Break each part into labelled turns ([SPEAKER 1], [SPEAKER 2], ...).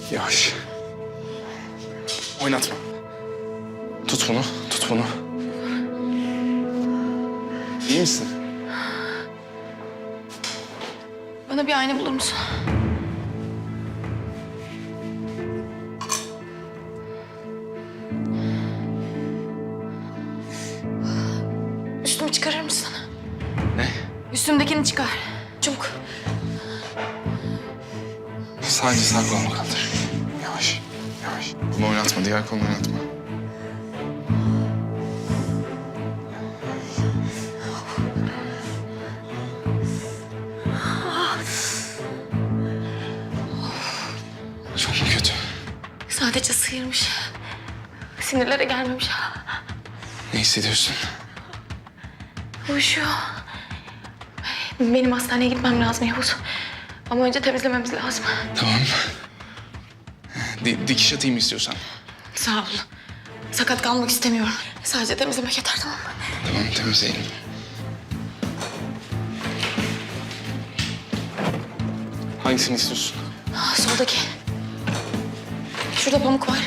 [SPEAKER 1] Yavaş. Oynatma. Tut bunu, tut bunu. İyi misin?
[SPEAKER 2] Bana bir ayna bulur musun? Üstümü çıkarır mısın?
[SPEAKER 1] Ne?
[SPEAKER 2] Üstümdekini çıkar. Çabuk.
[SPEAKER 1] Sadece sağ kolunu kaldır. Yavaş, yavaş. Bunu oynatma, diğer kolunu oynatma. Çok mu kötü?
[SPEAKER 2] Sadece sıyırmış. Sinirlere gelmemiş.
[SPEAKER 1] Ne hissediyorsun?
[SPEAKER 2] Uyuşuyor. Benim hastaneye gitmem lazım Yavuz. Ama önce temizlememiz lazım.
[SPEAKER 1] Tamam. Dikiş atayım istiyorsan.
[SPEAKER 2] Sağ ol. Sakat kalmak istemiyorum. Sadece temizlemek yeter, tamam mı?
[SPEAKER 1] Tamam, temizleyelim. Hangisini istiyorsun?
[SPEAKER 2] Soldaki. Şurada pamuk var.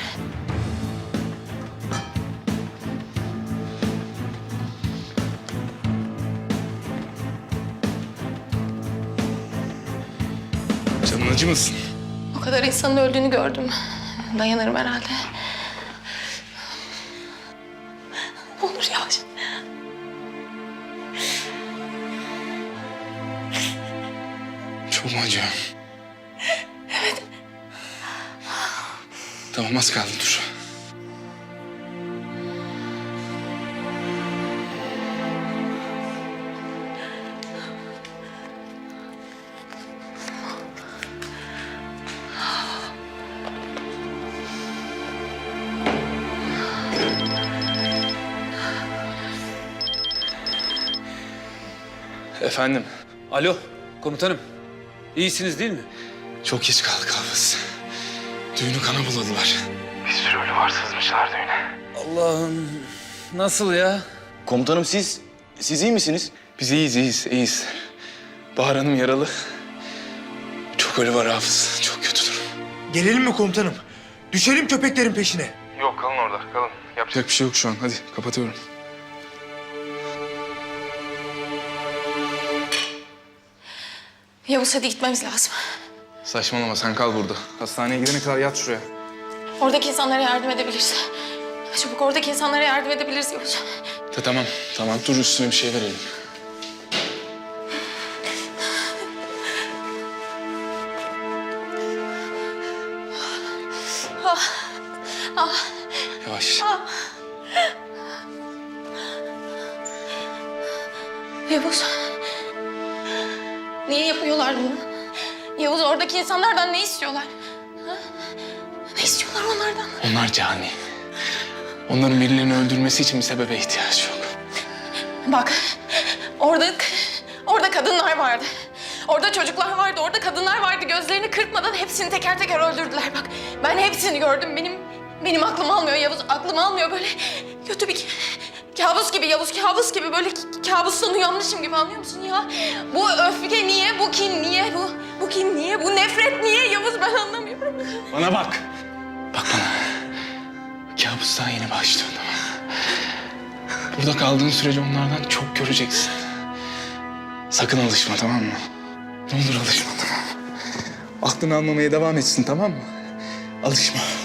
[SPEAKER 1] Canın acımasın.
[SPEAKER 2] O kadar insanın öldüğünü gördüm. Dayanırım herhalde. Ne olur yavaş.
[SPEAKER 1] Çok mu acıyor?
[SPEAKER 2] Evet.
[SPEAKER 1] Tamam, az kaldı, dur. Efendim,
[SPEAKER 3] Alo, komutanım. İyisiniz değil mi?
[SPEAKER 1] çok geç kaldık Hafız. Düğünü kana buladılar. Bir sürü ölü var, sızmışlar düğüne.
[SPEAKER 3] Allah'ım, nasıl ya?
[SPEAKER 4] Komutanım siz iyi misiniz?
[SPEAKER 1] Biz iyiyiz. Bahar Hanım yaralı. Çok ölü var Hafız, çok kötü durum.
[SPEAKER 5] Gelelim mi komutanım? Düşelim köpeklerin peşine.
[SPEAKER 1] Yok, kalın orada, kalın. Yapacak bir şey yok şu an, hadi kapatıyorum.
[SPEAKER 2] Yavuz, hadi gitmemiz lazım.
[SPEAKER 1] Saçmalama, sen kal burada. Hastaneye gidene kadar yat şuraya.
[SPEAKER 2] Oradaki insanlara yardım edebiliriz. Çabuk, oradaki insanlara yardım edebiliriz Yavuz.
[SPEAKER 1] Tamam, dur üstüne bir şey verelim. Yavaş.
[SPEAKER 2] Yavuz. Niye yapıyorlar bunu? Yavuz, oradaki insanlardan ne istiyorlar? Ha? Ne istiyorlar onlardan?
[SPEAKER 1] Onlar cani. Onların birilerini öldürmesi için bir sebebe ihtiyaç yok.
[SPEAKER 2] Bak, orada kadınlar vardı. Orada çocuklar vardı, orada kadınlar vardı. Gözlerini kırpmadan hepsini teker teker öldürdüler. Bak, ben hepsini gördüm. Benim aklım almıyor Yavuz, aklım almıyor. Böyle kötü bir kabus gibi Yavuz, kabus gibi. Böyle kabustan uyanmışım gibi, anlıyor musun ya? Bu öfke niye, bu kin niye, bu kin niye, bu nefret niye Yavuz, ben anlamıyorum.
[SPEAKER 1] Bana bak. Bak bana. Kabus daha yeni başlıyor, tamam mı? Burada kaldığın sürece onlardan çok göreceksin. Sakın alışma, tamam mı? Ne olur alışma, tamam mı? Aklını almamaya devam etsin, tamam mı? Alışma.